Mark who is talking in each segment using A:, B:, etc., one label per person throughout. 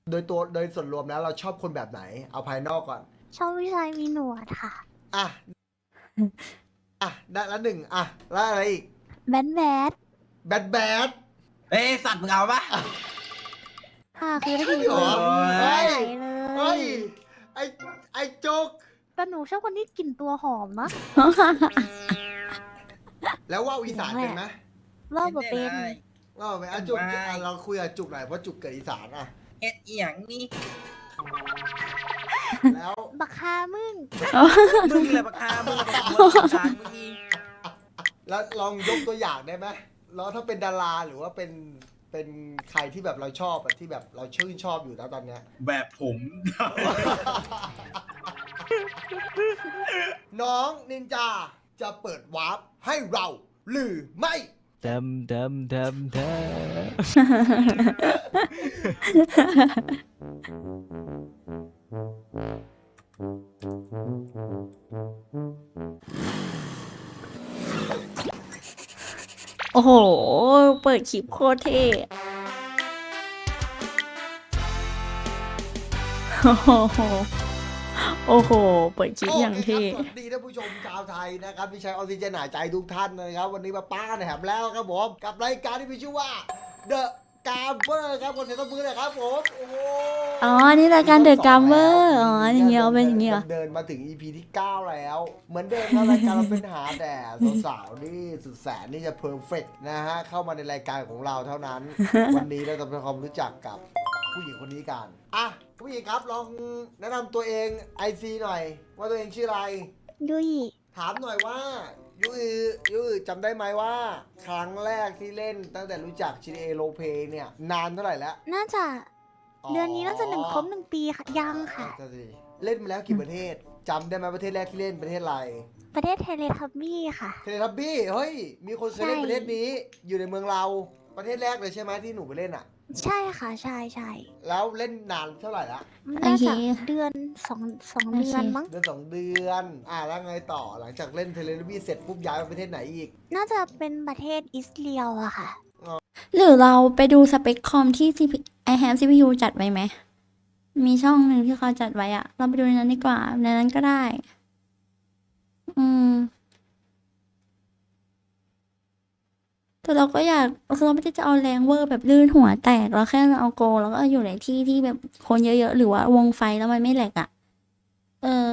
A: โดยส่วนรวมแล้วเราชอบคนแบบไหนเอาภายนอกก่อน
B: ชอบผู้ชายมีหนวดค่ะ
A: อ่ะได้ละหนึ่งแล้วอะไรอีก
B: แบด
A: แบด
C: เอ้ยสัตว์มึงเอาปะ
B: ค่ะคือได้กลิน
A: เหร
B: ตัว
A: อ
B: หอม
A: เฮ้
B: ไหล
A: ย
B: เล
A: เฮ้ย
B: ย
A: ไอ้โจ๊ก
B: แต่หนูชอบคนที่กลิ่นตัวหอมนะ
A: แล้วว่าวอีสานเป็นไหม
B: ว่าแบบเป็น
A: ว่าวไหมจุกเราคุยกับจุกหน่อยเพราะจุกเกิดอีสาน
C: เฮ็ดอีหยังนี่
A: แล้ว
B: บักคามึง
C: มึงเลยปะคามึงเลยปะหัวสารมึงนี่
A: แล้วลองยกตัวอย่างได้ไหมแล้วถ้าเป็นดาราหรือว่าเป็นใครที่แบบเราชอบที่แบบเราชื่นชอบอยู่แล้วตอนเนี้ย
C: แบบผม
A: น้องนินจาจะเปิดวาร์ปให้เราหรือไม่
D: ดโอ้โห เปิดคลิปโคตรเท่โอ้โห โอ้โห เปิดคลิปอย่างเท่
A: โอเคครับสวัสดีท่านผู้ชมชาวไทยนะครับที่ใช้ออกซิเจนหายใจทุกท่านนะครับวันนี้มาป้ากันแถมแล้วครับผมกับรายการที่มีชื่อว่า The Gamer ครับคนเสียงตบมือหนะครับผมโอ้โห
D: อ๋อ นี่รายการ The Gamer อ๋ออย่างเงี้ยเป็นอย่างเงี้ย
A: เดินมาถึง EP ที่ 9 แล้ว เหมือนเดิมครับรายการเราเป็นหาแต่สาวๆนี่สุดแสนนี่จะเพอร์เฟกนะฮะเข้ามาในรายการของเราเท่านั้น วันนี้เราจะทำความรู้จักกับผู้หญิงคนนี้กันผู้หญิงครับลองแนะนำตัวเอง IC หน่อย ว่าตัวเองชื่ออะไร
B: ยุย
A: ถามหน่อยว่ายูอจำได้ไหมว่า ครั้งแรกที่เล่นตั้งแต่รู้จัก GTA r o l e Play เนี่ย นานเท่าไหร่แล้ว
B: น่าจะเดือนนี้น่าจะครบ1 ปีค่ะยังค่ะ
A: เล่นมาแล้วกี่ประเทศจำได้ไหมประเทศแรกที่เล่นประเทศอะไร
B: ประเทศเทเลทับบี้ค่ะ
A: เทเลทับบี้เฮ้ยมีคนเคยเล่น
B: ใช่
A: ประเทศนี้อยู่ในเมืองเราประเทศแรกเลยใช่ไหมที่หนูไปเล่นอ่ะ
B: ใช่ค่ะใช่
A: แล้วเล่นนานเท่าไหร่ละ
B: น่าจะ
D: โอเค
B: เดือนสองเดือนมั้ง
A: เดือน2 เดือนแล้วไงต่อหลังจากเล่นเทเลทับบี้เสร็จปุ๊บย้ายไปประเทศไหนอีก
B: น่าจะเป็นประเทศอิสเรียลอะค่ะ
D: หรือเราไปดูสเปคคอมที่ I have CPU จัดไว้ไหม มีช่องหนึ่งที่เขาจัดไว้อะเราไปดูในนั้นดีกว่า ในนั้นก็ได้ แต่เราก็อยากคือเราไม่ได้จะเอาแรงเวอร์แบบลื่นหัวแตก เราแค่เอาโกแล้วก็อยู่ในที่ที่แบบคนเยอะๆ หรือว่าวงไฟแล้วมันไม่แหลกอะเออ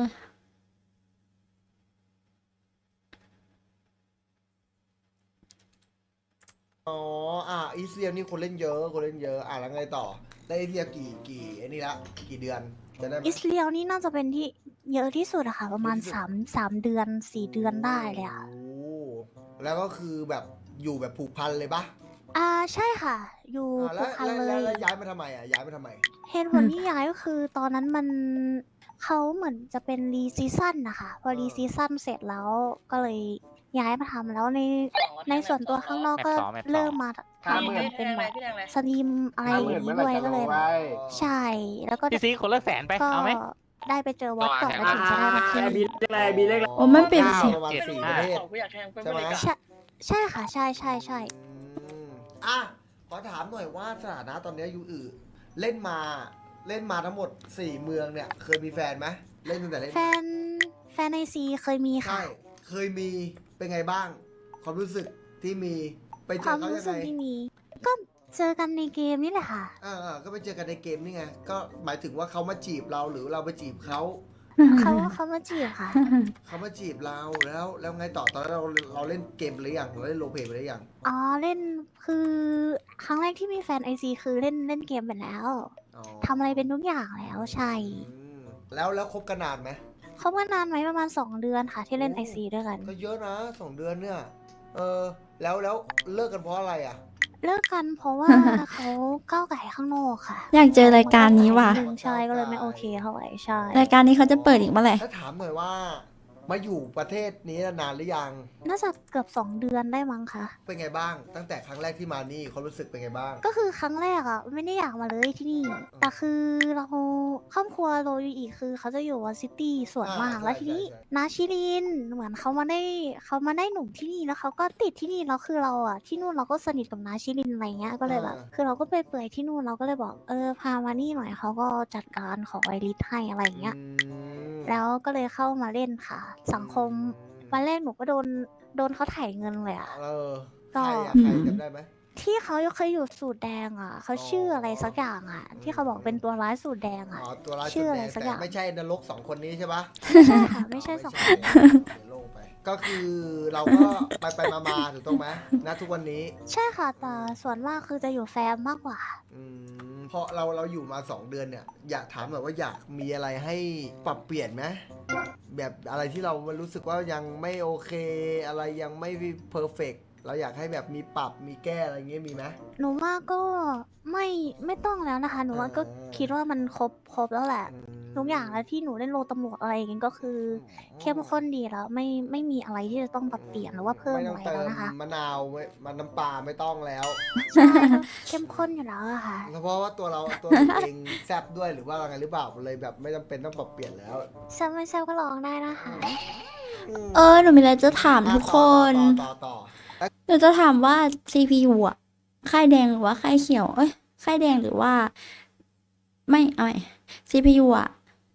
A: อ๋ออีเซียนี่คนเล่นเยอะแล้วไงต่อได้อีเซียกี่ไอ้นี่ละกี่เดือนจะได้ไหม
B: อิสเรียลนี่น่าจะเป็นที่เยอะที่สุดอะค่ะ ประมาณ
A: เยอะที่สุด
B: 3 เดือน 4 เดือนได้เลยค่ะ
A: โอ้แล้วก็คือแบบอยู่แบบผูกพันเลยปะ
B: ใช่ค่ะ อยู่
A: แล้
B: ผู
A: ว
B: กพัน
A: แล้ว
B: เล
A: แล้ว
B: ย
A: ย้ายมาทำไมย้ายมาทำไม
B: เหตุผลที่ย้ายก็คือตอนนั้นเขาเหมือนจะเป็นรีซีซั่นนะคะ พอรีซีซั่นเสร็จแล้วก็เลยย้ายมาทำแล้วในส่วนตัวข้างนอกก็เริ่มมาทำเหมือนเป็นแบบสตรีมอะไรอย่างนี้ด้วยก็เลยแบบใช่ แล้วก็
E: พี่ซีคนละ100,000ไป
B: ก็
E: เอาไหม
B: ได้ไปเจอวอตก่อนแล้วถึงจะได้มาที่นี่
D: โอ้มันเปลี่ยนเสียง
A: ประมาณ4 ประเทศใช่ไหม
B: ใช่ค่ะ ใช่
A: อืมขอถามหน่อยว่าสถานะตอนนี้ยูเล่นมาทั้งหมด4 เมืองเนี่ยเคยมีแฟนไหมเล่นตั้งแต่เล่น
B: แฟนในซีเคยมีค่ะ
A: ใช่เคยมีเป็นไงบ้าง ความรู้สึกที่มีไปเจ
B: ควา
A: อ
B: ม
A: เขา
B: รู้
A: ยัง
B: สึ
A: ไง
B: กที่มี ก็เจอกันในเกมนี่แหละค่ะ
A: ก็ไปเจอกันในเกมนี่ไงก็หมายถึงว่าเขามาจีบเราหรือเราไปจีบเขา
B: เขามาจีบค่ะ
A: เขามาจีบเราแล้วไงต่อตอนนั้นเราเล่นเกมไปหรือยังเราเล่นโรลเพลย์ไปหรือยัง
B: อ๋อเล่นคือครั้งแรกที่มีแฟนไอซีคือเล่นเกมไปแล้ว
A: อ๋อ
B: ทำอะไรเป็นทุกอย่างแล้วใช่
A: อืมแล้วคบกันนานไหม
B: เขามานานไหมประมาณ2 เดือนค่ะ ที่เล่นไอซีด้วยกัน
A: ก็เยอะนะ2 เดือนเนี่ยแล้วเลิกกันเพราะอะไรอ่ะ
B: เลิกกันเพราะว่า เขาก้าวไก่ข้างนอกค่ะ
D: อยากเจอรายการนี้ว่ะ
B: ใช่ก็เลยไม่โอเคเท่าไหร่ใช่
D: รายการนี้เขาจะเปิดอีกเมื่อไหร่
A: ถ้าถามหน่อยว่ามาอยู่ประเทศนี้นานหรือยัง
B: น่าจะเกือบ2 เดือนได้มั้งคะ
A: เป็นไงบ้าง ตั้งแต่ครั้งแรกที่มานี่ความรู้สึกเป็นไงบ้าง
B: ก็คือครั้งแรกอ่ะไม่ได้อยากมาเลยที่นี่ แต่คือเราครอบครัวโรยอีกคือเขาจะอยู่วอซิตี้ส่วนมาก
A: ใช่
B: แล้วทีนี้
A: ใช่
B: นาชิรินเหมือนเขามาได้หนุ่มที่นี่แล้วเขาก็ติดที่นี่แล้วคือเราอ่ะที่นู่นเราก็สนิทกับนาชิรินอะไรเงี้ยก็เลยแบบคือเราก็ไปเปื่อยที่นู่นเราก็เลยบอกพามานี่หน่อยเขาก็จัดการขอไอริสให้อะไรเงี้ย
A: อืม
B: แล้วก็เลยเข้ามาเล่นค่ะ สังคมวันแรกหนูก็โดนเขาถ่ายเงินเลยอ่ะ
A: ใครอะ
D: อืม
A: ใครจำได้ไหม
B: ที่เขาเคยอยู่สูตรแดงอ่ะเขาชื่ออะไรสักอย่างอ่ะ ที่เขาบอกเป็นตัวร้ายสูตรแดงอ่ะ
A: อ๋อตัวร้าย
B: ชื่
A: สุด
B: ออะ
A: แด
B: ไรง สักอ
A: แต่
B: ย่าง
A: ไม่ใช่นรก2 คนนี้ใช่ปะ
B: ไม่ใช่ค่ะ ไม่ใช่สองคน
A: เดี๋ยวโล่งไป ก็คือเราก็ไปมาถูกต้องไหมณทุกวันนี้
B: ใช่ค่ะแต่ส่วนมากคือจะอยู่แฟมมากกว่า
A: เพราะเราอยู่มา2 เดือนเนี่ย อยากถามแบบว่าอยากมีอะไรให้ปรับเปลี่ยนไหมแบบอะไรที่เรารู้สึกว่ายังไม่โอเค อะไรยังไม่เพอร์เฟกเราอยากให้แบบมีปรับมีแก้อะไรเงี้ยมีไหม
B: หนูว่าก็ไม่ต้องแล้วนะคะ หนูว่าก็คิดว่ามันครบแล้วแหละ ทุกอย่างแล้วที่หนูเล่นโลตำรวจอะไรอย่างเงี้ยก็คือเข้มข้นดีแล้วไม่มีอะไรที่จะต้องปรับเปลี่ยนหรือว่าเพิ่ม
A: ไม่
B: อะ
A: ต้อง
B: ไร
A: เติ
B: แล้ว
A: ม
B: นะคะ
A: มะนาวมันน้ำปลาไม่ต้องแล้ว
B: ใช่ก็เข้มข้นอยู่แล้วอะค่ะ
A: เพราะว่าตัวเราเองแซบด้วยหรือว่าอะไรหรือเปล่าเลยแบบไม่จำเป็นต้องปรับเปลี่ยนแล้ว
B: แซมไม่แซมก็ลองได้นะคะ
D: หนูมีอะไรจะถามทุกคน
A: ต่อ
D: หนูจะถามว่า CPU อ่ะ ค่ายแดงหรือว่าค่ายเขียว ค่ายแดงหรือว่า ไม่เอาใหม่ CPU อ่ะ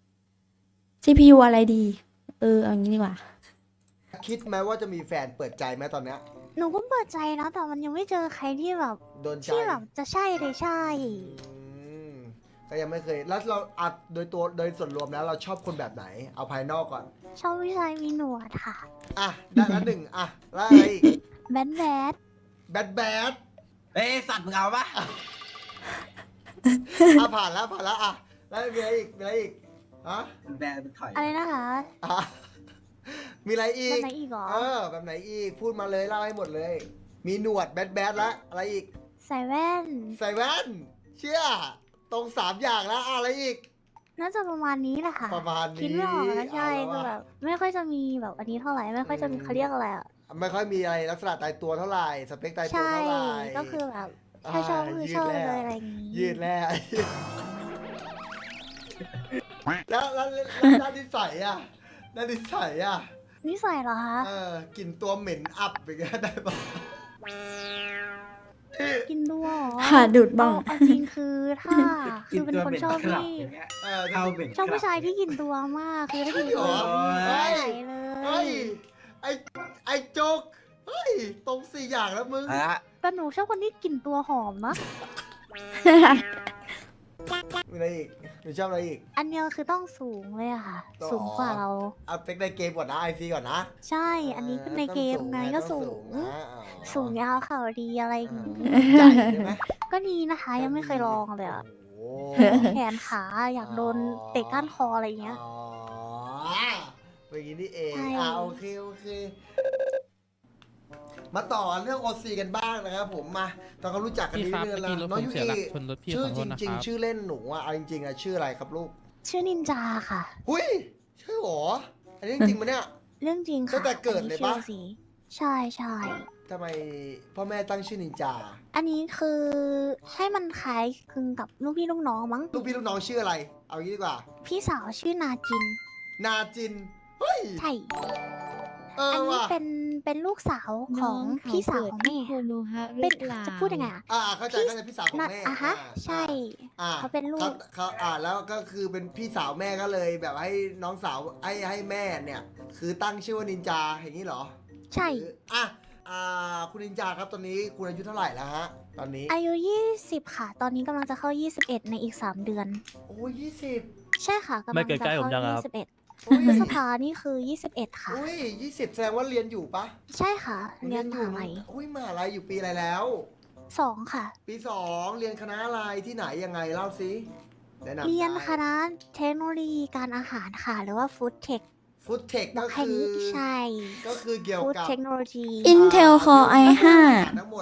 D: CPU อะไรดี เอางี้ดีกว่า
A: คิดไหมว่าจะมีแฟนเปิดใจไหมตอนเนี้ย
B: หนูก็เปิดใจนะแต่มันยังไม่เจอใครที่แบบ
A: โดนใจ
B: ที่แบบจะใช่เลยใช่
A: อืมก็ยังไม่เคย แล้วเราอัดโดยส่วนรวมแล้วเราชอบคนแบบไหน เอาภายนอกก่อน
B: ชอบผู้ชายมีหนวดค่ะ
A: อ่ะได้ละ1อ่ะแล้วอะไรอีก
B: แบด
A: แบด
C: เอ้ยสัตว์มึงเอาปะ
A: อ่ะผ่านแล้วอ่ะแล้วมีอะไรอีกฮะ
C: แบนเป็นถอย
B: อะไรนะคะ
A: อ่ะมีอะไรอี
B: แบ
A: ก
B: บไหนอีกเหรอ
A: แบบไหนอีก พูดมาเลยเล่าให้หมดเลย มีหนวดแบดละอะไรอีก
B: ใส่แว่น
A: ใส่แว่น เชื่อ ตรง3 อย่างแล้วอะไรอีก
B: น่าจะประมาณนี้แหละค่ะ
A: ประมาณนี้
B: คิดไม่ออกแล้วใช่
A: เอาแล้ว
B: คือ
A: อะ
B: แบบไม่ค่อยจะมีแบบอันนี้เท่าไหร่ไม่ค่อยจะมีเขาเรียกอะไรอ่ะ
A: ไม่ค่อยมีอะไรลักษณะตายตัวเท่าไหร่ สเปคตายตัว
B: ใช่
A: เท่าไหร่
B: ก็คือแบบถ้าชอบก็คือชอบเลยอะไรอย่างนี้
A: ยืดแล้ว แล้วด้านนิสัยอ่ะด้านนิสัยอ่ะ
B: นิสัยเหรอคะ
A: กลิ่นตัวเหม็นอับอย่างเงี้ยได้ปะ
B: กินด้วยเหรอ
D: หาดูดบ้าง
B: เอาจริงคือถ้าคือเป็นคนชอบที่
C: เข้าเบ็ด
B: ชอบผู้ชายที่กินตัวมากคือถ้ากินตัว
A: เฮ้ย
B: ไม่ไหวเล
A: เฮ้ย
B: ย
A: ไอโจกเฮ้ย ตรง4 อย่างแล้วมึง
C: อ่ะ
B: แต่หนูชอบคนที่กลิ่นตัวหอมนะ
A: มีอะไรอีกหนูชอบอะไรอีก
B: อันเดียวคือต้องสูงเลยอะค่ะ
A: อ๋อ
B: สูงกว่าเรา
A: เอาเป็กในเกมก่อนนะไอซีก่อนนะ
B: ใช่ อันนี้คือในเกมไงก็สูง
A: นะอ๋อ
B: สูงยาวเข่าดีอะไรอย่างนี้
A: ใหญ่ใช่ไหม
B: ก็ดีนะคะ ยังไม่เคยลองเลยอะ
A: โอ้
B: แขนขาอยากโดนเตะก้านคออะไรอย่างเงี้ย
A: อ๋อเป็นอย่างนี้นี่เอง
B: ใช่
A: โอเค มาต่อเรื่องโอซีกันบ้างนะครับผมมาตอนเขารู้จักกัน
E: พี่
A: นิด
E: ครับ
A: นึงแล้ว
E: พี่รถ
A: น้
E: ผ
A: อง
E: ม
A: ยู
E: เสียหลั
A: อี
E: กชนรถพี่
A: ชื่
E: ข
A: อ
E: อโท
A: จ
E: ษนะ
A: ริง
E: ครับ
A: ๆ ชื่อเล่นหนูอะเอาจริงๆอะชื่ออะไรครับลูก
B: ชื่อนินจาค่ะ
A: หุ้ยใช่หรออันนี้จริงๆมันเนี่ย
B: เรื่องจริงค่ะ
A: ตั้งแต่เกิดเลยปะ
B: อันนี้ชื่อสีใช่ใช่
A: ทำไมพ่อแม่ตั้งชื่อนินจา
B: อันนี้คือให้มันคล้ายคลึงกับลูกพี่ลูกน้องมั้ง
A: ลูกพี่ลูกน้องชื่ออะไร เอางี้ดีกว่า
B: พี่สาวชื่อนาจิน
A: นาจินเฮ้ย
B: ใช่
A: อัน
B: อันนี้
A: ว่ะ
B: เป็นลูกสาวของพี่สาวของแม่
F: โคโนฮะห
B: เป็
F: รื
B: น
F: อเปล่า
B: จะพูดยังไงอะ
A: เข้าใจพี่สาวของแม่
B: อ่ะฮะใช่
A: อ่า
B: เขาเป็นลูก
A: เขาแล้วก็คือเป็นพี่สาวแม่ก็เลยแบบให้น้องสาวให้แม่เนี่ย คือตั้งชื่อว่านินจาอย่างนี้เหรอ
B: ใช่
A: หรือคุณนินจาครับตอนนี้คุณอายุเท่าไหร่แล้วฮะ ตอนนี้
B: อายุ 20 ค่ะ ตอนนี้กำลังจะเข้า 21 ในอีก 3 เดือน
A: โอ้ย20
B: ใช่ค่ะกำลังจะเข้า 21 พฤษภานี่คือ 21 ค่ะ
A: อุ้ย20แสดงว่าเรียนอยู่ปะ
B: ใช่ค่ะ เรียนม
A: อยู่
B: หาลัย
A: อุ้ยมหาลัยอยู่ปีอะไรแล้ว
B: 2 ค่ะ
A: ปี 2 เรียนคณะอะไรที่ไหนยังไงเล่าสิแนะนำ
B: เรียน
A: ได้
B: คณะเทคโนโลยีการอาหารค่ะ หรือว่าฟู้ดเทค
A: ฟุตเทค
B: บอ
A: ก็
B: กแค่
A: คือ
B: นี้ใช่
A: ก็คือเกี่ยว
B: ฟู้ด
A: กับ
B: เทคโนโลยี
D: Intel Core i5
A: ทั้งหมด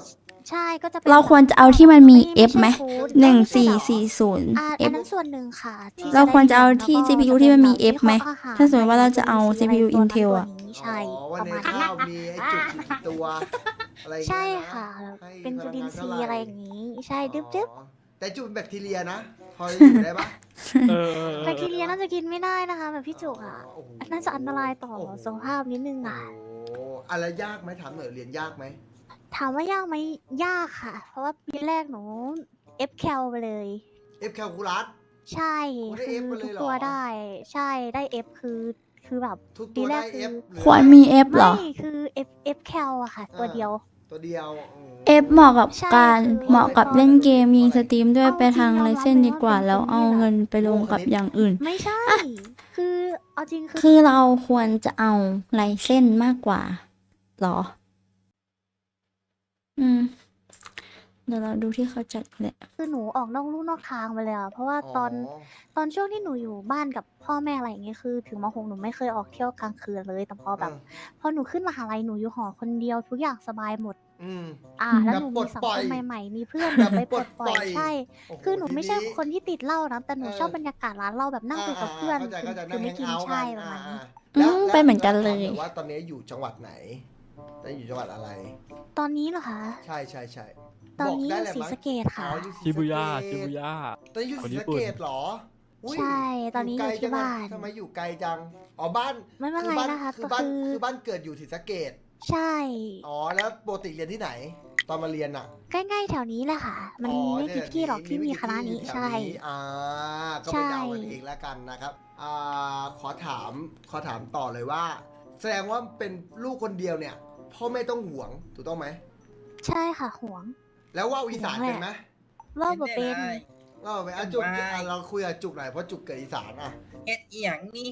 B: ใช่ก็จะป็น
D: เราควรจะเอาที่มันมี F ไหม
B: ใช่ food
D: 1440
B: อัน
D: F
B: นั้นส่วนหนึ่งค่ะที่
D: เราควรจะเอาที่
B: ได้
D: CPU
B: แล้วก็
D: ที่มันมี
B: จะ
D: F ไหม
B: วิเคราะห์อหร
D: ถ้าสมมติว่าเราจะเอา
B: ใน
D: CPU
B: ตัวนั้น
D: Intel
B: ตัว
D: อะ
B: นี้ใช่
A: ว่า
B: ประ
A: ใน
B: มาณ
A: ข้า
B: นั้น
A: วมีไอ้จุดกี่ตัวอะไรอย่าง
B: ใช่
A: เงี้ยนะ
B: ค่ะ
A: ให้
B: เป็นจุลินทรี
A: พ
B: ย์
A: ลังงานเท่าไหร่
B: อะไรอย่างนี้ ใช่ดึ๊บ
A: อ๋อแต่จุดเป็นแบคทีเรียนะ พอจะอยู่ได้ปะ
B: แบคทีเรียน่าจะกินไม่ได้นะคะแบบพี่จุกอ่ะ
A: โโห
B: น่าจะอันตรายต่อ
A: โโห
B: สุขภาพนิดนึงอ่ะ
A: โอ้อะไรยากไหมถามหน่อยเรียนยากไหม
B: ถามว่ายากไหมยากค่ะ เพราะว่าปีแรกหนู F แคลไปเลย
A: F แคลคูลัส
B: ใช่
A: โอ้ได้
B: คือ
A: F มาเลย
B: ทุก
A: เหรอ
B: ตัวได้ ใช่ได้ F คือแบบ
A: ทุก
B: ปี
A: ตัว
B: แร
A: ได้
B: กคือ
A: F หรือ
D: ควรมี F เหรอ
B: ไม่คือ F แคลอะค่ะ ตัวเดียว
A: ตัวเดียวอืม
D: F เหมาะกับ
B: ใช่
D: การ
B: คือ
D: เหมาะกับเล่นเกมยิงสตรีมด้วย
B: เอา
D: ไปทาง
B: จริง
D: ไร
B: ยอมรับ
D: เส้น
B: เลย
D: ดีกว่า
B: ว่าเป็น
D: แล้ว
B: คนที่
D: เอา
B: แบบ
D: เงินไปลงกับอย่างอื่น
B: ไม่ใช่ คือเอาจริงคือ
D: คือเราควรจะเอาไรเส้นมากกว่าเหรอ อืม เดี๋ยวเราดูที่เขาจัดแหละ
B: คือหนูออกนอกลู่นอกทางไปเลยอะเพราะว่าตอนช่วงที่หนูอยู่บ้านกับพ่อแม่อะไรอย่างเงี้ยคือถึงม .6 หนูไม่เคยออกเที่ยวกลางคืนเลย แต่พอแบบ พอหนูขึ้นมหาลัยหนูอยู่หอคนเดียวทุกอย่างสบายหมด
A: อืม
B: แล้ว
A: แบบ
B: หนู
A: ปล
B: มี
A: ด
B: สัง
A: ปล่
B: ค
A: อย
B: มใหม่ๆ มีเพื่อน
A: แบบ
B: ไป
A: ป
B: ป
A: ล
B: ล
A: ด
B: ด
A: ป
B: ป
A: ล่
B: ล่
A: อ
B: อย ยใช่
A: โอ้โห
B: คือหนูไม่ใช่
A: ที
B: คนที่ติดเหล้านะแต่หนูชอบ
A: เออ
B: บรรยากาศร้านเหล้าแบบนั่งคุยกับเพื่อน
A: เข้าใจเข้าใจ
B: คื
A: นั่ง
B: ไม่
A: แฮง
B: กิน
A: เอาท์
B: ใช่
A: กัน
B: ประมาณนี้
D: เป็นเหมือนกันเลย
A: ถามหว่าตอนนี้อยู่จังหวัดไหนตอนนี้อยู่จังหวัดอะไร
B: ตอนนี้เหรอคะ
A: ใช่ใช่ใช่
B: ตอนนี้
A: บก
B: อ
A: ได้
B: ยู่
A: เลย
B: ศรี
A: มั้ย
B: สะเกษค่ะ
A: อ๋ออยู่ศรี
E: ชิบุย่า
A: สะเกษ
E: ชิบุย่า
A: ตอนนี้อยู่
E: คน
A: ศรี
E: ญี่
A: สะ
E: ปุ่น
A: เกษเหรออุ๊ย
B: ใช่ตอนนี้อยู่
A: ไกล
B: ที่
A: จังอะ
B: บ้าน
A: ทำไมอยู่ไกลจังอ๋อบ้าน
B: ไม่เป็นไรนะคะ
A: คือบ้าน
B: ก็คือ
A: คือบ้านเกิดอยู่ศรีสะเกษ
B: ใช่
A: อ๋อแล้วปกติเรียนที่ไหน ตอนมาเรียนอ่ะ
B: ใกล้ๆแถวนี้แหละค่ะ มัน
A: อ๋อ
B: มีไม่กี่ที่หรอกที่มีคณะนี้
A: แถว
B: ใช่
A: ก็ไปเดากันเองแล้วกันนะครับขอถามต่อเลยว่า แสดงว่าเป็นลูกคนเดียวเนี่ยพ่อแม่ต้องห่วงถูกต้องไหม
B: ใช่ค่ะห่วง
A: แล้วว่าวอีสานเป็นไหม
B: ว่าบ่เป็น
A: ว่าวเป็นจุกเราคุยกับจุกหน่อยเพราะจุกเกิดอีสานอ่ะ
C: เอ็ดอีหยังนี่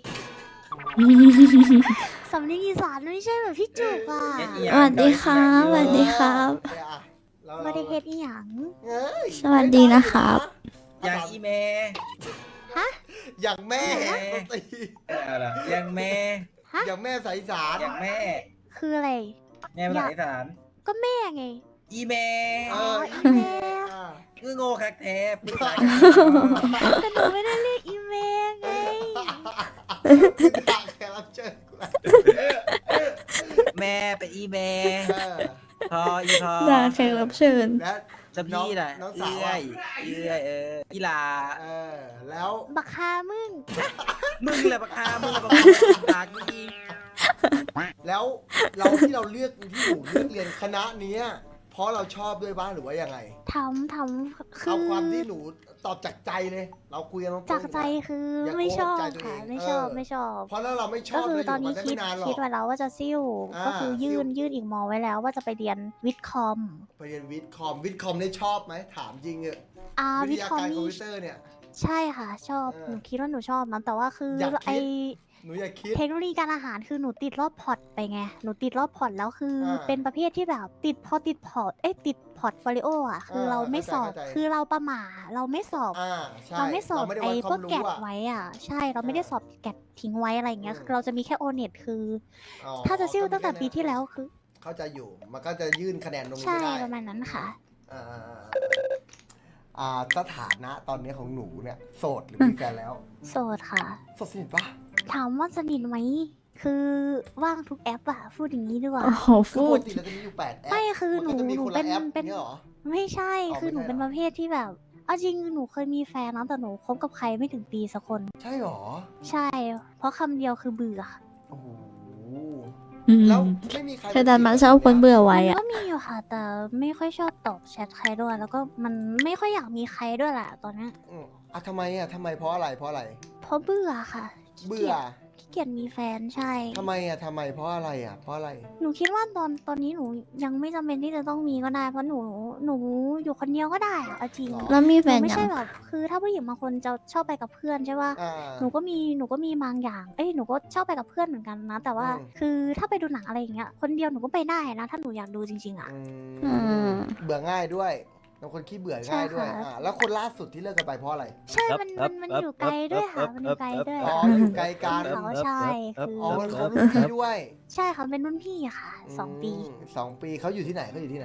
B: สำเนียงอีสานไม่ใช่แบบพี่จุกอ่ะ
C: เอ็ดอีห
D: ส
C: ยัง
D: วัสดีครับสวัสดีครับ
A: โอเคอะเรา
B: บริเฮดอีหยัง
A: เอ้ย
D: สวัสดีนะครับ
C: อย่างอีเม
A: อย่างแม่
C: อะไรอย่างแม่
A: อย่างแม่สายอีสาน
C: อย่างแม่
B: คืออะไร
C: แม่ภาษาอีสาน
B: ก็แม่ไง
C: อีเม
A: เอ
B: อ๋อ
A: อ
B: อีเมล
A: อ่า
C: คือโง่คักแท้ปรึกษา
B: แต่หนูไม่ได้เรียกอีเมลไง
A: คุณด่าแขกรับเชิญกูละ
C: แม่เป็นอีเม
A: เออ
C: พออีพอ
D: ด่าแขกรับเชิญ
A: แล้ว
C: จะพี่น่ะ
A: น้อง
C: เอื้
A: สาว
C: อ
A: อะ
C: ยเอื้อยอีหลา
A: เออแล้ว
B: บักคามึง
C: มึงเลยปะคามึงเลยปะคาปากมึงอี
A: แล้วเราที่เราเลือกที่หนูเลือกเรียนคณะเนี้ยเพราะเราชอบด้วยบ้างหรือว่ายังไง
B: ทำคื
A: เอา
B: อ
A: ความที่หนูตอบจากใจเลย เราคุยกันตรงๆ
B: จากใจคือ
A: อย่า
B: ไม่ชอบ
A: โกหกใจตัวเอ
B: ค่ะ
A: ง
B: ไม่ชอบ
A: เออ
B: ไม่ชอบ
A: เพราะถ้าเราไม่ช
B: ก็
A: อบ
B: คือ
A: เรา
B: ตอน
A: ยู่
B: นี้
A: กั
B: คิด
A: ไม่นานหรอก
B: ไว้แล้วว่าจะซิ่ว ก็คือยื่นอีกมอไว้แล้วว่าจะไปเรียนวิทย์คอม
A: ไปเรียนวิทย์คอมนี่ชอบไหมถามจริงเออะวิ
B: วิ
A: ท
B: ทย์
A: ยา
B: คอม
A: การคอม
B: นี่
A: พิวเตอร์เนี่ย
B: ใช่ค่ะ ชอบ
A: เออ
B: หนูคิดว่าหนูชอบนะแต่ว่าคืออย
A: ากคิด
B: ไอ
A: หนูอย่าคิด
B: เทคโนโลยีการอาหารคือหนูติดรอบพอร์ตไปไงหนูติดรอบพอร์ตแล้วคืออา เป็นประเภทที่แบบติดพอติดพอร์ตติดพอร์ตโฟลิโออ่ะคือเราไม่สอบ
A: เข้าใจ
B: คือเราประหม่าเราไม่สอบ
A: ใช่
B: เราไม่สอบ
A: ไม่ได้
B: ไอ้
A: วัด
B: พ
A: คว วาก ม
B: แก
A: รู้
B: ด
A: อะ
B: ไว้อ่ะ ใช่เราไม่ได้สอบแกดทิ้งไว้อะไรอย่างเงี้ย
A: อืม
B: คือเราจะมีแค่โอเน็ตคือ
A: อ๋อ
B: ถ้าจะซิ่ว
A: ก็มี
B: ตั้งแต่
A: ค่
B: ปีที่แล้วคือ
A: เข้าใจอยู่ มันก็จะยื่นคะแนนตรงนี้
B: ใช่
A: ไม่ได้
B: ประมาณนั้นค่ะ
A: อ่าสถานะตอนนี้ของหนูเนี่ย โสดหรือมีแฟนแล้ว
B: โสดค่ะ
A: โสดสนิทปะ
B: ถามว่าสนิทไหมคือว่างทุกแอปอะพูดอย่างนี้ดีกว่า
D: โอ้โห
A: คือ
D: พู
A: ป
D: ด
A: กติเราจะมีอยู่8แอป
B: ไม่คือหนู
A: มัก็จะมี
B: หนู
A: คน
B: เป็
A: ละ
B: น
A: แอป
B: เป็น
A: เนี่ยเหรอ
B: ไม่ใช่
A: อ๋อ
B: คือหนู
A: ไม่ใช่
B: เป็น
A: เหรอ
B: ประเภทที่แบบเอาจริงหนูเคยมีแฟนนะแต่หนูคบกับใครไม่ถึงปีสักคน
A: ใช่เหรอ
B: ใช่ เพราะคำเดียวคือเบื่อ
A: โอ้โห
D: อืม
A: แล้วไม่มีใคร
D: เธอดันมาชอบคนเบื่อไว้
B: มัน
D: อะ
B: ก็มีอยู่ค่ะ แต่ไม่ค่อยชอบตอบแชทใครด้วย แล้วก็มันไม่ค่อยอยากมีใครด้วยแหละตอนเนี้ย
A: ทำไมอ่ะทำไมเพราะอะไรเพราะอะไร
B: เพราะเบื่อค่ะขี้
A: เบื่
B: เกี
A: อย
B: จขี้เกียจมีแฟนใช่
A: ทำไมอ่ะทำไมเพราะอะไรอ่ะเพราะอะไร
B: หนูคิดว่าตอนนี้หนูยังไม่จำเป็นที่จะต้องมีก็ได้ เพราะหนูอยู่คนเดียวก็ได้อะเอาจริง
A: หรอ
D: แล้วมี
B: ห
D: แฟ
B: นู
D: น
B: ไม่
D: ยัง
B: ใช่แบบคือถ้าผู้หญิงบางคนจะชอบไปกับเพื่อนใช่ป่ะ
A: อ่า
B: หนูก็มีบางอย่างหนูก็ชอบไปกับเพื่อนเหมือนกันนะ แต่ว่า
A: อืม
B: คือถ้าไปดูหนังอะไรอย่างเงี้ยคนเดียวหนูก็ไปได้นะ ถ้าหนูอยากดูจริงๆอ่ะ
A: อืมเบื่อง่ายด้วยเป็นคนขี้เบื่อง่ายด้วย
B: ใช่ค่ะ
A: แล้วคนล่าสุดที่เลิกกันไปเพราะอะไร
B: ใช่ มันอยู่ไกลด้วยค่ะ มันอยู่ไกลด้วย
A: อ๋อ
B: ค่ะ
A: อยู่ไกลกัน
B: เขาใช่คือ
A: อ๋อมันเขารุ่นพี่ด้วย
B: ใช่เขาเป็นรุ่นพี่อะค่ะ2 ปี
A: 2 ปีเขาอยู่ที่ไหนเขาอยู่ที่ไหน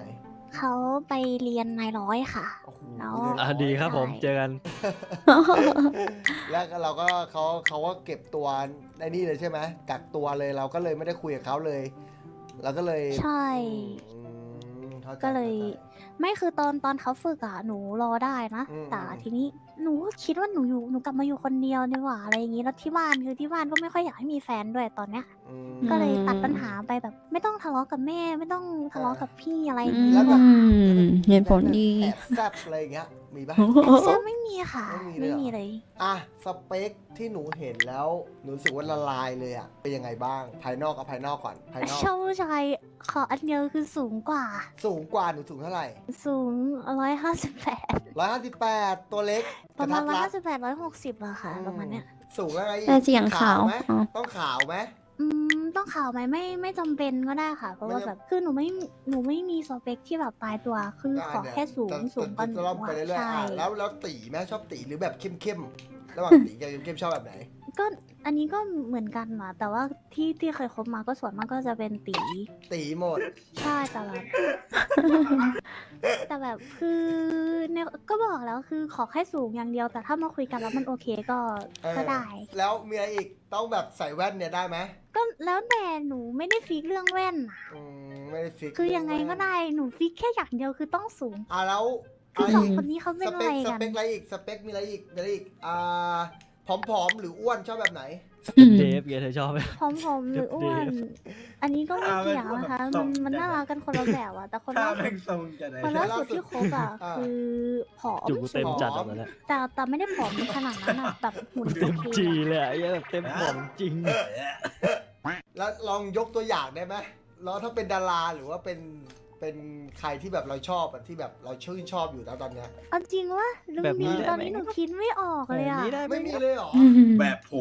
B: เขาไปเรียนนายร้อยค่ะ
A: โอ้โห
B: แล้ว
E: ดีครับผม
B: ใช่
E: เจอกัน
A: แล้วเราก็เขาก็เก็บตัวในนี่เลยใช่ไหมกักตัวเลยเราก็เลยไม่ได้คุยกับเขาเลยเราก็เลย
B: ใช่
A: อืมข้าใจ
B: ก็เลย
A: ข้าใจ
B: ไม่คือตอนเขาฝึกอะหนูรอได้นะ
A: อืม
B: แต่ทีนี้หนูก็คิดว่าหนูกลับมาอยู่คนเดียวดีกว่าอะไรอย่างงี้แล้วที่บ้านก็ไม่ค่อยอยากให้มีแฟนด้วยตอนเนี้ย
A: อืม
B: ก็เลยตัดปัญหาไปแบบ ไม่ต้องทะเลาะกับแม่ไม่ต้องทะเลาะกับพี่อะไรอย่าง
D: อื
B: งี้
A: แล้วแบบ
D: มเหตุผลดี
A: แอบแซบอะไรอย่างเงี้ยมีปะ
B: แอบแซบไม่มีค่ะ
A: ไม่
B: ไม่
A: มี
B: มี
A: เลยเหรอ
B: เลย
A: อ่ะสเปคที่หนูเห็นแล้วหนูรู้สึกว่าละลายเลยอ่ะเป็นยังไงบ้างภายนอกกับภายนอกก่อนภายนอก
B: ชอบผู้ชายขออันเดียวคือสูงกว่า
A: สูงกว่าหนูสูงเท่าไหร่
B: สูง158
A: 158ตัวเล็ก
B: ประมาณ
A: กทัดรัด
B: 158 160อะค่ะประมาณเนี้ย
A: สูงแล้วไงอีก
D: แต่เสียงขาว
A: ไหม
D: อ๋อ
A: ต้องขาวไหม
B: ต้องข่าวไหมไม่จำเป็นก็ได้ค่ะ เพราะว่า
A: ไม่จำ
B: แบบคือหนูไม่มีสเปคที่แบบตายตัวคือขอแค่สูง
A: แต่
B: สูงกว่าหนู
A: จะล่อมไป
B: อะ
A: เรื่อยๆ
B: ใช่
A: อ่ะแล้วตีไหมชอบตีหรือแบบเข้มๆระหว่างตีกับเข้มๆชอบแบบไหน
B: ก็อันนี้ก็เหมือนกันนะแต่ว่าที่เคยคบมาก็ส่วนมากก็จะเป็นตี
A: ตีหมด
B: ใช่แต่แบบ แต่แบบคือเนี่ยก็บอกแล้วคือขอแค่สูงอย่างเดียว แต่ถ้ามาคุยกันแล้วมันโอเคก็
A: เออ
B: ก็ได้
A: แล้วมีอะไรอีกต้องแบบใส่แว่นเนี่ยได้ไหม
B: ก็แล้วแต่หนูไม่ได้ฟิกเรื่องแว่นน่ะ
A: ไม่ได้ฟิก
B: คือยังไงก็ได้หนูฟิกแค่อย่างเดียวคือต้องสูง
A: แล้ว
B: คือ
A: อะไร
B: สอง
A: อีก
B: คนนี้เขาเป็น
A: ส
B: อะ
A: เป
B: ไร
A: คส
B: กัน
A: เปคอะไรอีกสเปคมีอะไรอีกมีอะไรอีกผอมๆหรืออ้วนชอบแบบไหน
E: เดฟเธอชอบไหม
B: ผอมๆหรืออ้วน อันนี้ก็ไม่เกี่ยวนะคะ มันน่ารักกันคนละแบบอะแต่คน
C: ถ้า
B: ล่าสุ
C: แม่
B: ด
C: งทรงจะไหน
B: คนล่าสุดที่คบอะ
A: อ่า
B: คือผอม
E: จุกเต็ม
B: สูง
E: จัดออกมาแล้ว
B: แต่ไม่ได้ผอมขนาดนั้นอะแบบหุ่น
E: เต็ม
B: โอเค
E: จี
B: อะ
E: เลยอะไอ้เหี้ยแบบเต็มของจริง
A: แล้วลองยกตัวอย่างได้ไหมแล้วถ้าเป็นดาราหรือว่าเป็นใครที่แบบเราชอบอะที่แบบเราชื่นชอบอยู่แล้วตอนเนี้ย
B: เอาจริงวะลุง
E: แบบนี้
B: มี
E: ได้
B: ตอน
E: ไหม
B: นี้หนูคิดไม่ออกเลยอะ
E: นี้ได้ไหม
A: ไม่มีเลยเหรอ
C: แบบผม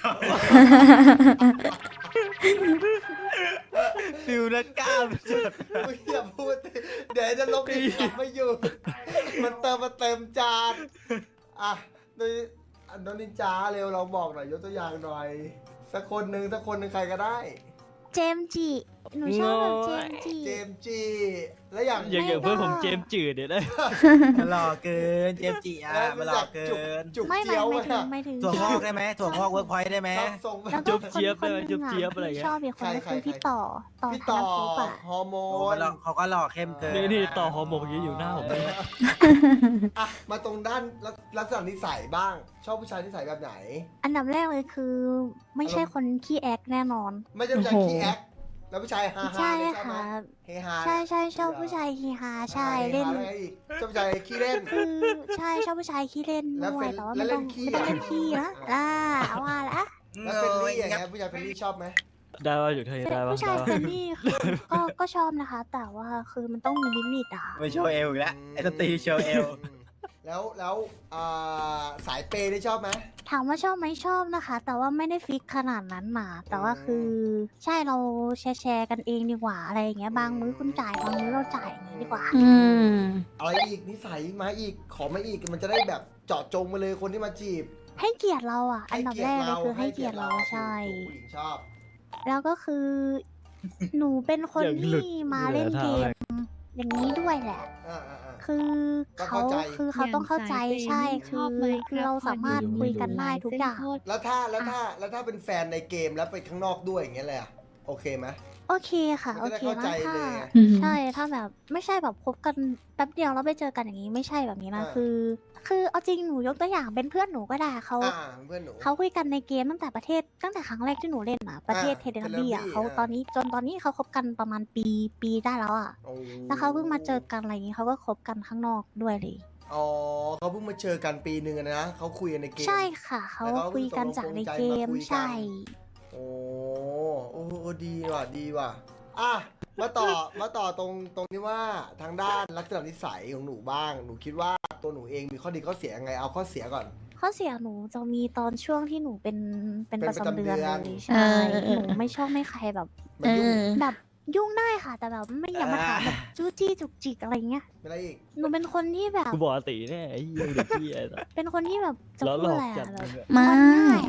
E: ฟิวนะกล้าม
A: ไม่อย่าพูดดิเดี๋ยวจะลบอีกกลับไม่อยู่ มันเติมมาเต็มจานอ่ะโดยน้องนินจาเร็วเราบอกหน่อยยกตัวอย่างหน่อย สักคนหนึ่งใครก็ได้
B: เจมส์จิหนูชอบแบบเจมส์จิ
A: เจมส์จีแล้วอย่าง
E: อย่างเพื่อนผมเจมส์จืดเนี่ยได้
C: มันหล่อเกิน เจมส์จิอ่ะมันหล่อเกิน
A: จุก
B: ไม่
A: เจียว
B: ไม่
A: อะ
B: ถึง
C: ถั่วงอกได้ไหมถั่วงอกเวิร์กพอยต์ได้ไหม
A: ส่งไป
B: แล้วก็
E: จุ๊บเจี๊ยบ
B: คน
E: ได้ไหม
B: หนึ่ง
E: จุ๊บเจี๊ยบอะไรเงี้ย
B: ที่ชอบอีกคนก็
A: ใคร
B: คือพี่ต่อ
A: พี่
B: ธ
A: ต่อน
B: ภพอะ
A: ฮอร์โม
C: โอ้
A: น
C: เขาก็หล่อเข้มเกิน
E: นี่ต่อฮอร์โมนเมื่อกี้อยู่หน้าผมเลย
A: อ่ะมาตรงด้านลักษณะนิสัยบ้าง ชอบผู้ชายนิสัยแบบไหน
B: อันดับแรกเลยคือ ไม่ใช่คนขี้แอคแน่นอน
A: ไม่ใช่ผู้ชาย
D: โอ้โห
A: ขี้แอคแล้วผู้ชายฮาฮา
B: ใช่
A: เนี่ยชอบไหม
B: ค่ะ
A: เฮฮา
B: ใช่ชอบผู้ชายฮีฮาใช่เล่น
A: ฮาอะไรอีกชอบผู้ชายขี้เล่น
B: คือใช่ชอบผู้ชายขี้เล่น
A: แล้ว
B: ด้ว
A: เฟ
B: ย
A: น
B: แต่ว่า
A: แล้ว
B: ไม่
A: เล่
B: ต้อง
A: นขี้
B: ไม่ต้อง
A: อะ
B: เล่นขี้นะว่าละ
A: แล้วเฟนลี่อย่างเงี้ยผู้ชายเฟนลี่ชอบไหม
E: ได้ว่าอยู่เธอได้ปะ
B: ผู้ชายเฟรนลี่คือก็ชอบนะคะ แต่ว่าคือมันต้องมีลิมิตอะ
C: ไม่โชว์เอวอีกแล้วไอ้สตรีโชว์เอว
A: แล้วสายเปย์ได้ชอบไหม
B: ถามว่าชอบไหมชอบนะคะ แต่ว่าไม่ได้ฟิกขนาดนั้นนะแต่ว่าคือใช่เราแชร์กันเองดีกว่าอะไรอย่างเงี้ยบางมื้อคุณจ่ายบางมื้อเราจ่ายอย่างงี้ดีกว่า
D: อืม
A: อะไรอีกนิสัยมาอีกขอมาอีกมันจะได้แบบเจาะจงมาเลยคนที่มาจีบ
B: ให้เกียรติเราอ่ะ อันดับแรกเลยคือให้เกียรติเราใช่
A: ผู้หญิงชอบ
B: แล้วก็คือ หนูเป็นคน
E: อย่างหลุด
B: ที่มาเล่นเกม อย่างนี้ด้วยแหละ
A: อ่า
B: คือ
A: ก็
B: เขา
A: เข้าใจ
B: คือเขาต้องเข้าใจใช่คือเราสามารถคุยกันได้ทุกอย่าง
A: แล้วถ้าเป็นแฟนในเกมแล้วไปข้างนอกด้วยอย่างเงี้ยเลยอะโอเคไหม
B: โอเคค่ะ
A: มัน
B: โอ
A: จะได้
B: เค
A: เข้าใจ
B: นะ
A: เลย
B: ถ้า
A: ไง
B: ใช่ถ้าแบบไม่ใช่แบบคบกันแป๊บเดียวแล้วไปเจอกันอย่างนี้ไม่ใช่แบบนี้นะ
A: อ่า
B: คือเอาจริงหนูยกตัวอย่างเป็นเพื่อนหนูก็ได้เขา
A: เพื่อนหนู
B: เขาคุยกันในเกมตั้งแต่ครั้งแรกที่หนูเล่นอะประเทศ
A: อ่า
B: เทเดนบี้อะ
A: Teletubby
B: เขาตอนนี้เขาคบกันประมาณปีได้แล้วอะ
A: โอ้
B: แล้วเขาเพิ่งมาเจอกันอะไรอย่างนี้เขาก็คบกันข้างนอกด้วยเลย
A: อ๋อเขาเพิ่งมาเจอกันปีหนึ่งอะนะเขาคุยกันในเกม
B: ใช่ค่ะเขา
A: แล้วเขา
B: คุยกันจากในเกม
A: ตกลงปรงใจมาคุยกัน
B: ใช่
A: โอ้ดีว่ะอ่ะมาต่อตรงที่ว่าทางด้านลักษณะนิสัยของหนูบ้าง หนูคิดว่าตัวหนูเองมีข้อดีข้อเสียยังไงเอาข้อเสียก่อน
B: ข้อเสียหนูจะมีตอนช่วงที่หนูเป็น
A: เป็น
B: ประจำเดือน
A: ประจำเดือน
B: เลยใช่
D: เออ
B: หนูไม่ชอบให้ใครแบบ
A: มายุ่ง
B: แบบยุ่งได้ค่ะ แต่แบบไม่อย่ามาถามแบบจู้จี้จุกจิกอะไรเงี้ย
A: ไม่อะไรอีก
B: หนูเป็นคนที่แบบ
E: กูบอกตีแน่ไอ้เหี้ยเด็กพี่ไอ้สัส
B: เป็นคนที่แบบจะ
E: แล้ว
B: พู
E: หล
B: ด
E: อก
B: อะไร
E: จัด
B: อะแบบ
E: มึงอะ
D: มา
B: งอนง่ายอะ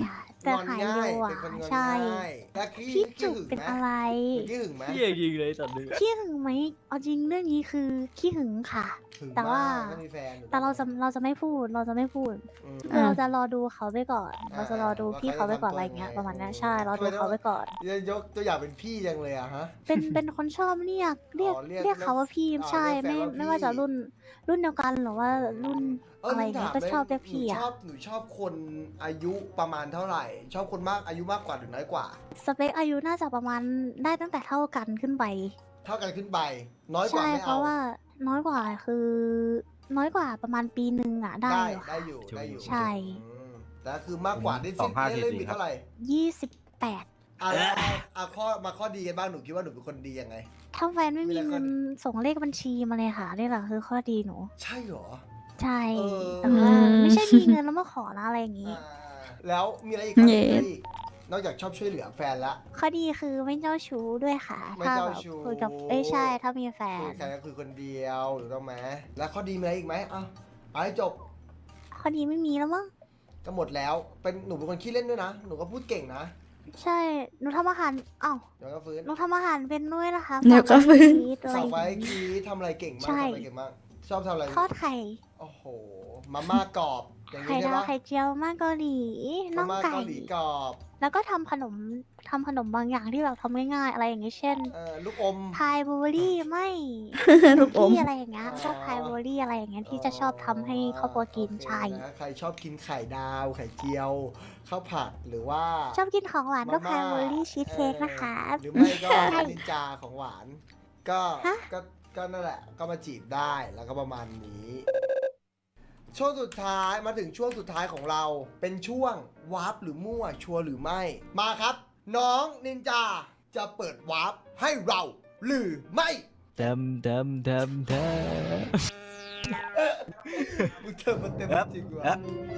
B: แต่
A: งอน
B: หาย
A: ง่า
B: เร็
A: ยว
B: อ่ะ
A: เป็นคนงอน
B: ใช่
A: ง่ายแล้วขี้
B: พี่
A: ขี้
B: จุก
A: หึง
B: เป็น
A: ไหม
B: อะไร
A: ขี้หึงไหม
E: เหี้ยจริงเลยสัตว์นึง
B: ขี้หึงไหมเอาจริงเรื่องนี้คือขี้หึงค่ะ
A: หึง
B: แต่ว่า
A: มกก็มีแฟนอยู่
B: แต่เราจะไม่พูดเราจะไม่พูด
A: อืม
B: คือเราจะรอดูเขาไปก่อน
A: อ่า
B: เราจะรอดูพี่เขาไปก่อน
A: ว่า
B: อะไร
A: เขาจะ
B: เงี้ย
A: ทำตัว
B: ประมาณนั้น
A: ยังไง
B: ใช่รอดูเขาไปก่อน
A: จะยกตัวอย่างเป็นพี่จังเลยอะฮะ
B: เป็นคนชอบเรียก
A: เรียก
B: เขาว่าพี่
A: อ๋อ
B: ใช่
A: เรียกแฟน
B: ไม่
A: ว่าพี่
B: ไม่ว่าจะรุ่นเดียวกันหรือว่ารุ่น อะไร
A: หนู
B: เงี้ย
A: ถาม
B: ก็
A: ได้
B: ชอบเรียกพี่
A: หนู
B: อ่ะ
A: หนูชอบคนอายุประมาณเท่าไหร่ ชอบคนมากอายุมากกว่าหรือน้อยกว่า
B: สเปคอายุน่าจะประมาณได้ตั้งแต่เท่ากันขึ้นไป
A: เท่ากันขึ้นไป น้อยกว่า
B: ใช่
A: ไม่
B: เพ
A: เอา
B: ราะว่าน้อยกว่าคือน้อยกว่าประมาณปีหนึ่งอ่ะได้
A: ได้
B: อยู่ค่ะ
A: ได้อยู่ได้อยู่
B: ใช่
A: อืมแต่คือมากกว่าได้
C: สองห้า
A: เล่น
C: สี่
A: มีเท่าไหร่
B: 28
A: อ่ะข้อดีกันบ้างหนูคิดว่าหนูเป็นคนดียังไง
B: ถ้าแฟนไม่มี
A: มีอะไร
B: เงินส่งเลขบัญชีมาเลยค่ะนี่แหละคือข้อดีหนู
A: ใช่เหรอ
B: ใช่
A: เออ
B: แต่ว่าไม่ใช่มีเงินแล้วมาขอนะอะไรอย่างงี้
A: อ่าแล้วมีอะไรอีกครับ
D: เย้
A: มีอะไรอีกนอกจากชอบช่วยเหลือแฟนละ
B: ข้อดีคือไม่เจ้าชู้ด้วยค่ะ
A: ไม่
B: ถ้า
A: เจ้า
B: แบบ
A: ชู้
B: คุยกับใช่ถ้ามีแฟ
A: คุ
B: น
A: ยใครก็คือคนเดียวถูกต้องไหมแล้วข้อดีมีอะไรอีกไหมเอาให้จบ
B: ข้อดีไม่มีแล้วมั้ง
A: ก็หมดแล้วหนูเป็นคนขี้เล่นด้วยนะหนูก็พูดเก่งนะ
B: ใช่หนูทำอาหารอ้าว
A: เดี๋ยวก็ฟื้น
B: หนูทำอาหารเป็นด้วยนะคะ
D: เดี๋ยวก็ฟื้น
B: ฝากไว้
A: ฝากไว้
B: ที่
A: คีทำอะไรเก่งมาก
B: ใช่
A: ทำอะไรเก่งมากชอบทำอะไร
B: ทอดไข่
A: โอ้โหมาม่ากรอบอย่าง
B: ไข่
A: นี้ใช่
B: ดาว
A: ปะ
B: ไข่เจียวมากเกาหลีน่
A: มา
B: อง
A: ม่า
B: ไก่
A: เกาหลีกรอบ
B: แล้วก็ทำขนมบางอย่างที่แบบทำง่ายๆอะไรอย่างงี้เช่น
A: ลูกอม
B: พายบลูเบอรี่ไม่
D: ลูกอม
B: ที่อะไรอย่างเงี้ย
A: อ๋อ
B: พวกพายบลูเบอรี่อะไรอย่างเงี้ยที่จะชอบทำให้ครอบครัวกิน
A: โอเค
B: ใช่
A: นะใครชอบกินไข่ดาวไข่เจียวข้าวผัดหรือว่า
B: ชอบกินของหวานก็
A: มาม่า
B: พายบลูเบอรี่ชีสเค้กนะคะ
A: หรือไม่ก็
B: ใช่
A: นินจาของหวาน ก็
B: ฮะ
A: ก็นั่นแหละ ก็มาจีบได้แล้วก็ประมาณนี้ ช่วงสุดท้ายมาถึงช่วงสุดท้ายของเรา เป็นช่วงวาร์ปหรือมั่วชัวร์หรือไม่ มาครับ น้องนินจาจะเปิดวาร์ปให้เราหรือไม่
E: เต็ม
A: มึงเติมมันเต็มจริงวะ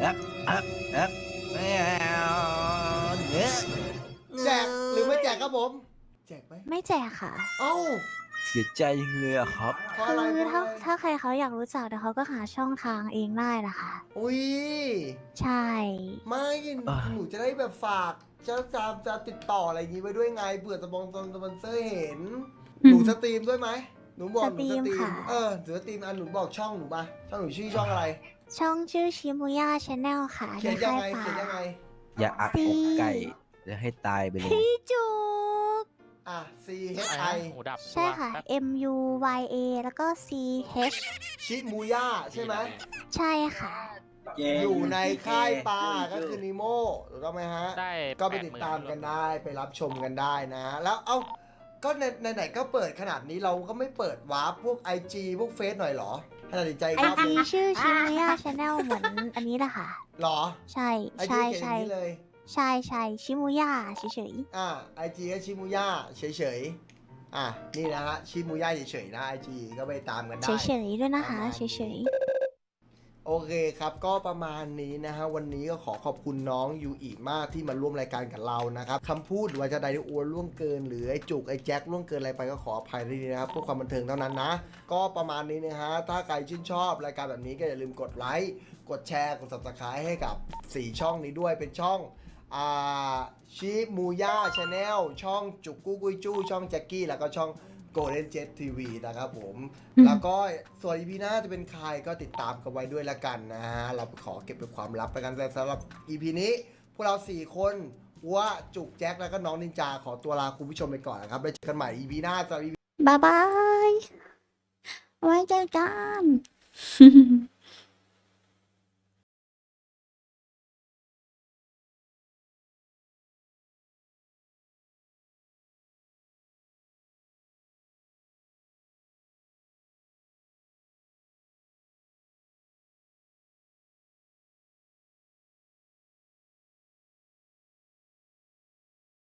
C: ไม่เอาเนี่ย
A: แจกหรือไม่แจกครับผม แจกไหม
B: ไม่แจกค่ะ
A: เอ้า
C: เสียใจยังเลยอะครับ
A: เพราะ
B: คื
A: อะไร
B: อ
A: เพราะ
B: ถ้า
A: อะไร
B: ถ้าใครเขาอยากรู้จักเดี๋ยวเขาก็หาช่องทางเองได้นะคะ
A: อุ้ย
B: ใช่
A: ไม่
C: อ่ะ
A: หนูจะได้แบบฝากจะติดต่ออะไรอย่างงี้ไว้ด้วยไงเผื่อสปอนเซอร์เห็น หนูสตรีมด้วยไหมหนูบอกหนูสตรีมหนูสตรีมหนูบอกช่องหนูมาช่องหนูชื่อช่องอะไร
B: ช่องชื่อชิมุย่าชาแนลค่ะ
A: เขียน
B: ใน
A: ยัง
B: ค่าย
A: ไง
B: ป่า
A: เขียนยังไง
C: อย่าอักอกไก่จะให้ตายไปเลย
B: พี่จุก
A: อ่ะ C H
F: อะไร
A: I
F: นะหูดับ
B: ใช่ค่ะ
F: แป๊บ
B: M U Y A แล้วก็ C H
A: ชิมูย่าใช่ไหม
B: ใช่ค่ะ
A: อยู่ในค่ายปลาก็คือนิโมถูกต้องไหมฮะ
F: ได้
A: ก็ไปติดตามกันได้ไปรับชมกันได้นะ แล้วเอ้าก็ในไหนๆก็เปิดขนาดนี้เราก็ไม่เปิดวาร์ปพวก IG พวกเฟซหน่อยเหรอให้ตัดสินใจอีก
B: ไอ
A: รอบห
B: จี
A: นึง
B: ชื่อชิมุย่าชาแนลเหมือนอันนี้แหละค่ะ
A: หรอ
B: ใช่
A: ไอจี
B: ใช่
A: เขียนอ
B: ใช่
A: ย่างนี้เลย
B: ใช่ใช่ชิมุย่าเฉย
A: IG ก็ชิมูย่าเฉยๆนี่นะฮะชิมูย่าเฉยๆนะ IG ก็ไปตามกัน
B: ๆ
A: ได้
B: เฉยๆด้วยนะคะ
A: ประมาณ
B: เฉ
A: นี้
B: ย
A: โอเคครับก็ประมาณนี้นะฮะวันนี้ก็ขอขอบคุณน้องยูอีมากที่มาร่วมรายการกับเรานะครับคำพูดหรือว่าจะใดที่อ้วนล่วงเกิน หรือไอ้จุกไอ้แจ็คล่วงเกินอะไรไปก็ขออภัยด้วยนะครับเพื่อความบันเทิงเท่านั้นนะ ก็ประมาณนี้นะฮะถ้าใครชื่นชอบรายการแบบนี้ก็อย่าลืมกดไลค์กดแชร์กด subscribe ให้กับ 4 ช่องนี้ด้วยเป็นช่องชิมูย่าชาแนลช่องจุกกู้กุยจู้ช่องแจ็คกี้แล้วก็ช่อง Golden Jet TV นะครับผม แล้วก็ส่วน EP หน้าจะเป็นใครก็ติดตามกันไว้ด้วยละกันนะฮะ เราขอเก็บเป็นความลับไปกันแต่สำหรับ EP นี้ พวกเรา 4 คนว่าจุกแจ็คแล้วก็น้องนินจาขอตัวลาคุณผู้ชมไปก่อนนะครับแล้วเจอกันใหม่ EP หน้าสำหรับ EP
D: บ๊ายบาย ไว้เจอกัน